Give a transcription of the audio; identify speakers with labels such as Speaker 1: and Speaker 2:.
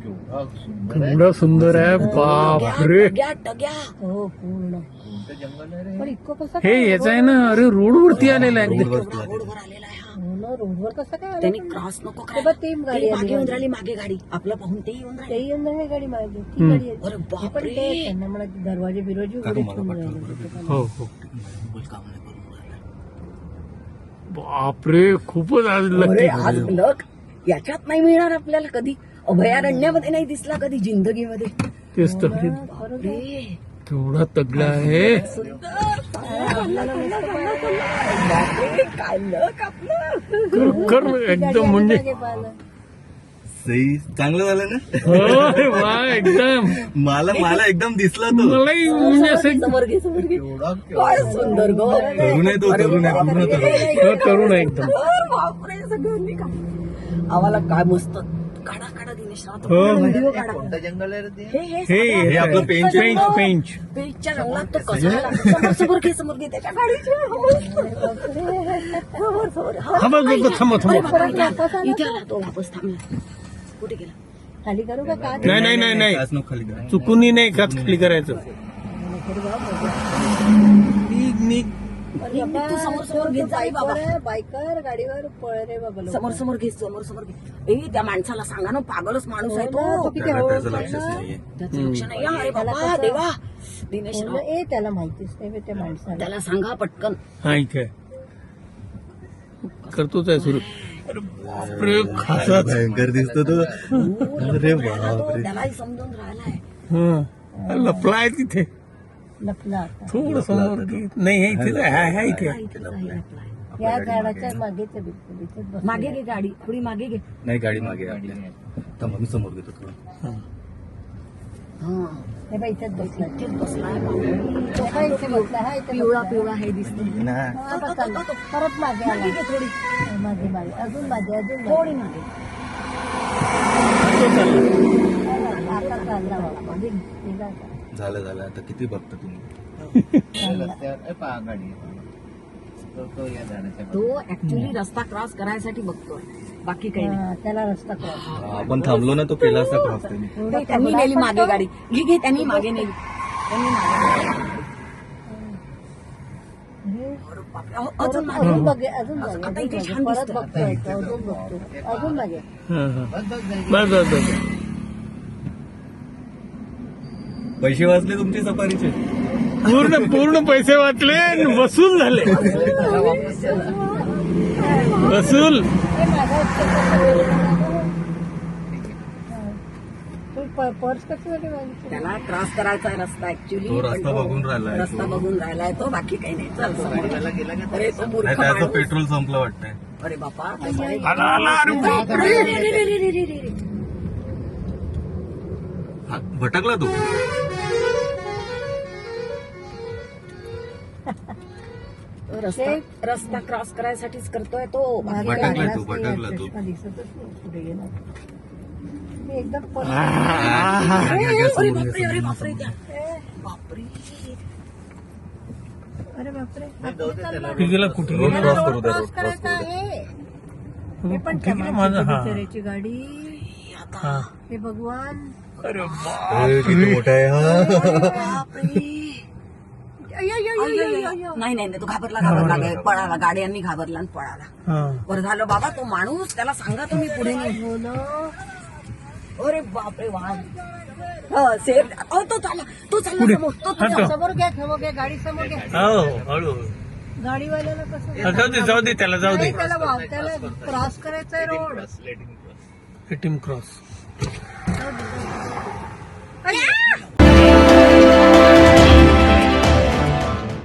Speaker 1: केवढा सुंदर आहे, बापरे.
Speaker 2: हो पूर्ण. पण इतकं कसं
Speaker 1: हे याच आहे ना, अरे रोडवरती आलेला आहे एकदम.
Speaker 3: रोडवर आलेला आहे हा.
Speaker 2: हो ना, रोडवर कसं काय आलं?
Speaker 3: त्यांनी क्रॉस नको
Speaker 2: ते बघ, ती गाडी आली.
Speaker 3: मागे येऊन राहिली, मागे गाडी आपलं पाहून ते येऊन राहिली.
Speaker 2: तेही येऊन राहिली गाडी मागे, ती गाडी आली.
Speaker 3: अरे
Speaker 2: हे पण
Speaker 3: बापरे.
Speaker 2: ते त्यांना म्हणा दरवाजे बिरवाजे उघडे ठेवून राहिले.
Speaker 1: हो हो, बापरे, खूपच आज
Speaker 3: अरे
Speaker 1: लकी.
Speaker 3: आज लक याच्यात नाही मिळणार आपल्याला कधी, अभयारण्यामध्ये नाही दिसला कधी जिंदगीमध्ये.
Speaker 1: तेच तर,
Speaker 3: बापरे.
Speaker 1: केवढा तगडा आहे.
Speaker 3: बापरे, काय लक आपलं.
Speaker 1: कर एकदम म्हणजे
Speaker 4: सही चांगलं झालं ना.
Speaker 1: होय, वा एकदम.
Speaker 4: मला एकदम दिसला तो.
Speaker 1: मलाही म्हणजे असं
Speaker 3: समोर घे, समोर घे. काय सुंदर गो.
Speaker 4: तरुण आहे तो, तरुण आहे, पूर्ण तरुण आहे.
Speaker 1: तरुण आहे एकदम.
Speaker 3: बापरे, सगळ्यांनी का आम्हाला काय मस्त काढा काढा दिनेश राव,
Speaker 1: हो.
Speaker 3: व्हिडिओ काढा.
Speaker 4: जंगल आहे रे ते.
Speaker 1: हे
Speaker 4: आपलं पेंच आहे.
Speaker 1: पेंच.
Speaker 3: पेजच्या रंगात तो कसा आला. समोर घे, समोर घे त्याच्या गाडीचे. समोर.
Speaker 1: हा बघ बघ, थांबा
Speaker 3: अरे
Speaker 1: थांबा.
Speaker 3: बापरे, इथे आला तो वापस थांबला. कुठे गेला.
Speaker 2: खाली करू का काय?
Speaker 1: नाही
Speaker 4: काच नको खाली करा.
Speaker 1: चुकूनही नाही काच खाली करायचं.
Speaker 3: तू समोर घेत जा बाबा.
Speaker 2: बायकर गाडीवर पळ रे बाबा लोक.
Speaker 3: समोर घे. त्या माणसाला सांगा ना, पागलच माणूस आहे
Speaker 2: तो
Speaker 3: तो.
Speaker 2: किती
Speaker 4: त्याला
Speaker 2: हळू
Speaker 4: त्याचं
Speaker 2: बोलतोय
Speaker 4: लक्षच
Speaker 2: ना.
Speaker 4: नाहीये.
Speaker 3: त्याचं लक्ष नाही. अरे बाबा देवा दिनेश राव,
Speaker 2: ए त्याला माहितीच नाही बे त्या माणसाला.
Speaker 3: त्याला सांगा पटकन.
Speaker 1: हा इथे करतोच आहे सुरू. अरे बापरे, खासाच.
Speaker 4: भयंकर दिसतो तो. अरे बापरे.
Speaker 3: त्यालाही समजून राहिलाय.
Speaker 1: हा, लपलाय तिथे.
Speaker 2: लपला आता.
Speaker 1: थोडं समोर घे. नाही हे इथेच आहे, हा इथे.
Speaker 3: इथेच आहे आपला.
Speaker 2: या झाडाच्या मागेच आहे बिलकुल. इथेच बसलेला
Speaker 3: मागे
Speaker 2: आहे.
Speaker 3: घे गाडी, थोडी मागे घे.
Speaker 4: नाही गाडी मागे आहे आपल्या. थांबा, मी समोर घेतो थोडं.
Speaker 3: हा
Speaker 2: हे बाई इथेच बसला.
Speaker 3: इथेच बसलाय बापरे.
Speaker 2: हा इथे बसला. हा इथे
Speaker 3: पिवळा
Speaker 2: बसला.
Speaker 3: पिवळा हे दिसतो.
Speaker 4: ना.
Speaker 2: हा, आता चालला. परत मागे आला.
Speaker 3: मागे घे थोडी,
Speaker 2: मागे मागे अजून मागे अजून
Speaker 3: थोडी
Speaker 2: मागे.
Speaker 3: मागे.
Speaker 2: आता चालला बाबा. मागे गेला आता.
Speaker 4: झालं आता किती बघता तुम्ही.
Speaker 3: तो ऍक्च्युली रस्ता क्रॉस करायसाठी बघतोय, बाकी काही नाही.
Speaker 2: हा, त्याला रस्ता क्रॉस.
Speaker 4: आपण थांबलो ना, तो केला असता क्रॉस त्यांनी.
Speaker 3: नाही, त्यांनी नेली मागे गाडी. घे त्यांनी मागे नेली. त्यांनी मागे नेली. अरे बापरे, अजून मागे.
Speaker 2: अजून बघे अजून बघे
Speaker 3: आता इथे
Speaker 2: अजून
Speaker 3: छान
Speaker 2: बघे. परत
Speaker 3: दिसतं.
Speaker 2: बघतोय तो, अजून बघतो अजून मागे.
Speaker 1: हा, हा. बस बस बस.
Speaker 4: पैसे वाचले तुमचे सफारीचे.
Speaker 1: पूर्ण पैसे वाचले आणि वसूल झाले. वसूल.
Speaker 2: हे मागं तू पर्स कशासाठी मागितली?
Speaker 3: त्याला क्रॉस करायचा आहे रस्ता ऍक्च्युली.
Speaker 4: तो रस्ता बघून राहिलाय.
Speaker 3: रस्ता बघून राहिलाय तो, बाकी काही नाही. चल समोर. अरे तो मूर्ख
Speaker 4: नाही, त्याचं
Speaker 3: माणूस.
Speaker 4: पेट्रोल संपलं वाटतंय.
Speaker 3: अरे बापा,
Speaker 1: आला, अरे बापरे.
Speaker 4: हा, भटकला तू.
Speaker 3: रस्ता क्रॉस करायसाठीच करतोय तो.
Speaker 2: मागे
Speaker 4: भटकलाय
Speaker 2: आलाच
Speaker 4: तू,
Speaker 2: नाही,
Speaker 4: भटकला तू.
Speaker 2: चष्मा दिसतच नाही पुढे गेला. मी एकदम
Speaker 3: अरे बापरे, अरे बापरे, बापरे.
Speaker 2: अरे बापरे
Speaker 1: कुठे गेला कुठे
Speaker 4: रोड
Speaker 1: गेला?
Speaker 4: क्रॉस करू द्या,
Speaker 2: क्रॉस
Speaker 4: रोड क्रॉस
Speaker 2: करायचा
Speaker 4: करू द्या.
Speaker 2: आहे. हे पण
Speaker 1: कुठे गेला माझा? हा.
Speaker 2: बिचाऱ्याची गाडी.
Speaker 1: हा.
Speaker 2: हे भगवान.
Speaker 1: अरे
Speaker 4: अरे, किती मोठा आहे हा.
Speaker 3: नाही नाही, तो घाबरला पळाला. गाड्यांनी घाबरला आणि पळाला.
Speaker 1: हा.
Speaker 3: बरं झालं बाबा, तो माणूस त्याला सांगा तुम्ही पुढे नाही.
Speaker 2: हो ना.
Speaker 3: अरे बापरे, वाहन सेफ. तो चालला समोर.
Speaker 1: हा,
Speaker 2: समोर घ्या गाडी समोर घ्या.
Speaker 1: हो हळू.
Speaker 2: गाडीवाल्याला कसं
Speaker 1: हा, जाऊ दे त्याला जाऊ दे.
Speaker 2: नाही, त्याला क्रॉस करायचंय रोड.
Speaker 1: Team cross.